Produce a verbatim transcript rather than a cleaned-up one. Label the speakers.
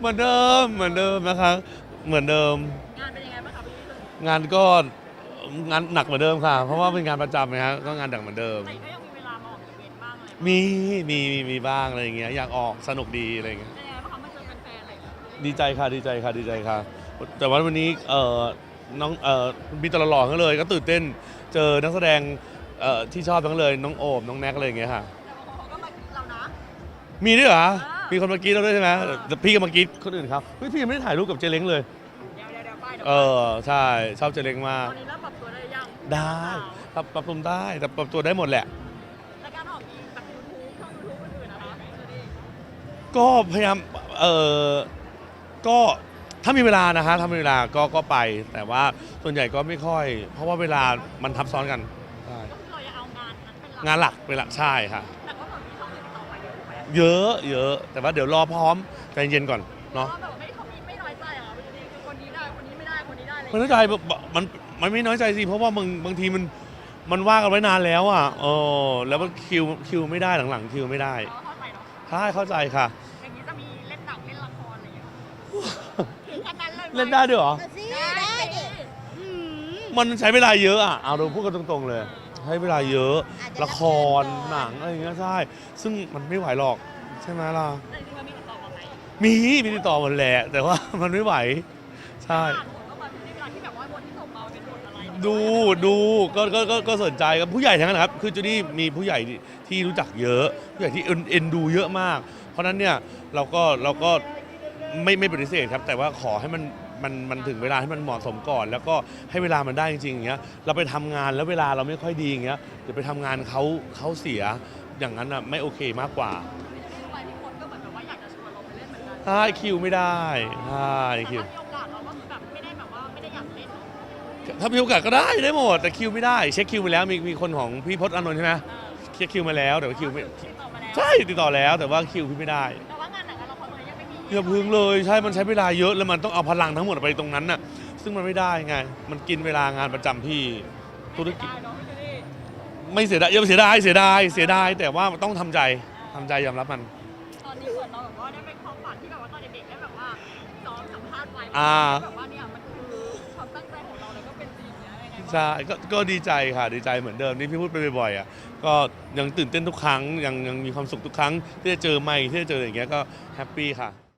Speaker 1: เหมือนเดิมเหมือนเดิมนะคะเหมือนเดิม
Speaker 2: งานเป็นยังไงบ้างคะพี่
Speaker 1: งานก็งานหนักเหมือนเดิมค่ะเพราะว่าเป็นงานประจำนะฮะก็งานหนักเหมือนเดิม
Speaker 2: แต่ก็ยังมีเวลามาออกอีเวนต์บ้างอะไร
Speaker 1: มีมีมีมีบ้างอะไรอย่างเงี้ยอยากออกสนุกดีอะไรอย่างเงี้ย
Speaker 2: เป็นยังไงบ้างคะมาเจอแฟนๆอะไรอย่างเงี้ย
Speaker 1: ดีใจค่ะดีใจค่ะดีใจค่ะแต่ว่าวันนี้เอ่อน้องเอ่อมีตลอดหล่อทั้งเลยก็ตื่นเต้นเจอนักแสดงเอ่อที่ชอบทั้งเลยน้องโอบน้องแน็กอะไรอย่างเงี้ยค่ะ
Speaker 2: แต่บางคนเขาก็มากินเรานะ
Speaker 1: มีด้วยเหรอ
Speaker 2: อ่ามี
Speaker 1: มีคนมากรีดเราด้วยใช่ไหมแต่พี่ก็มากรีดคนอื่นครับเฮ้ยพี่ยังไม่ได้ถ่ายรูปกับเจเล้งเลย
Speaker 2: เดี๋ยวเดี๋ยวเดี๋ยวไปเดี๋ยว
Speaker 1: เอ
Speaker 2: ไป
Speaker 1: อใช่ชอบเจเล้งมาก
Speaker 2: ตอนนี้เริ่มปรับตัวได้ยัง
Speaker 1: ได้ปรับปรับปรุงได้แต่ปรับตัวได้หมดแหละ
Speaker 2: และการออกอีแบบยูทูบช่องยูทูบอื่นๆนะคะคือดี
Speaker 1: ก็พยายามเออก็ถ้ามีเวลานะฮะถ้ามีเวลาก็ก็ไป แต่ว่าส่วนใหญ่ก็ไม่ค่อย เพราะว่าเวลามันทับซ้อนกันใช่
Speaker 2: ก็คือเราจะเอางานนั้นเป็นหลัก
Speaker 1: งานหลักเวลาใช่ค่ะ
Speaker 2: แต่ก็เหมือนมีช่องอื่นต่อไปเยอะถูกไหม
Speaker 1: เยอะเยอะแต่ว่าเดี๋ยวรอพร้อมใจเย็นก่อน
Speaker 2: เพราะ
Speaker 1: เนาะ
Speaker 2: ว่าแบบไม่เขามีไม่น้อยใจเหรอพี่ดีคือคนนี้ได้คนนี้ไม่ได้คนนี้ได้อะไรอย่าง
Speaker 1: มันน้อย
Speaker 2: เงี้ย
Speaker 1: ใจมันมันไม่น้อยใจสิเพราะว่าบางบางทีมันมันว่ากันไว้นานแล้วอ่ะเออแล้วมันคิวคิวไม่ได้หลังๆคิวไม่ได้
Speaker 2: เราเข้าใจเนาะ
Speaker 1: ใช่เข้าใจค่ะ
Speaker 2: อย่างนี้จะมีเล่นหนังเล่นละครอะไรอย่างเงี้ยถึงขนาดนั้นเลยหม
Speaker 1: เล่นได้ด้วยเหรอ
Speaker 3: เอาสิ
Speaker 2: ได้
Speaker 3: ได้
Speaker 2: สิ
Speaker 3: ดิอืม
Speaker 1: มันใช้เวลาเยอะอ่ะ เอาเราพูดกันตรงๆเลย ใช้เวลาเยอะ
Speaker 3: อาจจะ
Speaker 1: ละคร หนังอะไรอย่างเงี้ยใช่ ซึ่งมันไม่ไหวหรอก ใช่ไหมล่ะ
Speaker 2: แต่จริงๆมันมีติดต่อมาไหม
Speaker 1: มี มีติดต่อหมดแหละ แต่ว่า มันไม่ไหว ใช่
Speaker 2: อ่านบทก็มาในเวลาที่แบบว่าบทที่ส่งมาเป็นบทอะไร
Speaker 1: ดูดูก็ก็ก็ก็สนใจกับผู้ใหญ่ทั้งนั้นนะครับ คือจูดี้มีผู้ใหญ่ที่ที่รู้จักเยอะ ผู้ใหญ่ที่เอ็นเอ็นดูเยอะมาก เพราะฉะนั้นเนี่ยเราก็เราก็ไม่ไม่ปฏิเสธครับ แต่ว่าขอให้มันมันมันถึงเวลาให้มันเหมาะสมก่อน แล้วก็ให้เวลามันได้จริงๆอย่างเงี้ย เราไปทำงานแล้วเวลาเราไม่ค่อยดีอย่างเงี้ยเดี๋ยวไปทำงานเขาเขาเสีย อย่างนั้นอ่ะไม่โอเคมากกว่า
Speaker 2: ทุกวันที่คนก็เหมือนแบบว่าอยากจะชวนเราไปเล่นเหมือนกัน
Speaker 1: ใช่คิวไม่ได้ใช่
Speaker 2: แต่
Speaker 1: คิว
Speaker 2: ถ้ามีโอกาสเราก็คือแบบไม่ได้แบบว่าไม่ได้อยากเล่นเนอะ
Speaker 1: ถ้ามีโอกาสก็ได้ได้หมดแต่คิวไม่ได้เช็คคิวไปแล้วมีมีคนของพี่พจน์อานนท์ใช่ไหม
Speaker 2: เออ
Speaker 1: เช็คคิวมาแล้วแต่ว่าคิวไม่
Speaker 2: ติดต่อมาแล้ว
Speaker 1: ใช่ติดต่อแล้วแต่ว่าคิวพี่ไม่ได้
Speaker 2: แต่ว่างานหนังกับละครตอนนี้ยังไม่มี
Speaker 1: อย่าพึ่งเลยใช่มันใช้เวลาเยอะแล้วมันต้องเอาพลังทั้งหมดไปตรงนั้นน่ะซึ่งมันไม่ได้ไงมันกินเวลางานประจำพี่ธุรกิจ
Speaker 2: ได้เนาะพี่จูดี้
Speaker 1: ไม่เสียดายอย่าเสียดายเสียดายเสียดายแต่ว่าต้องทำใจทำใจยอมรับมัน
Speaker 2: ตอนนี้เหมือนเราแบบว่าได้เป็นความฝันที่แบบว่าตอนเด็กๆได้แบบว่าซ้อมสัมภาษณ์ไว้
Speaker 1: อ่า
Speaker 2: แบบว่าเนี่ยมันคือความตั้งใจของเราแล้วก็เป็นจริงเนี่ยยังไงบ้าง
Speaker 1: ใช่ก็ก็ดีใจค่ะดีใจเหมือนเดิมที่พี่พูดไปบ่อยๆอ่ะก็ยังตื่นเต้นทุกครั้งยังยังมีความสุขทุกครั้งที่จะเจอใหม่ที่จะเจออย่างเงี้ยก็แฮปปี้ค่ะ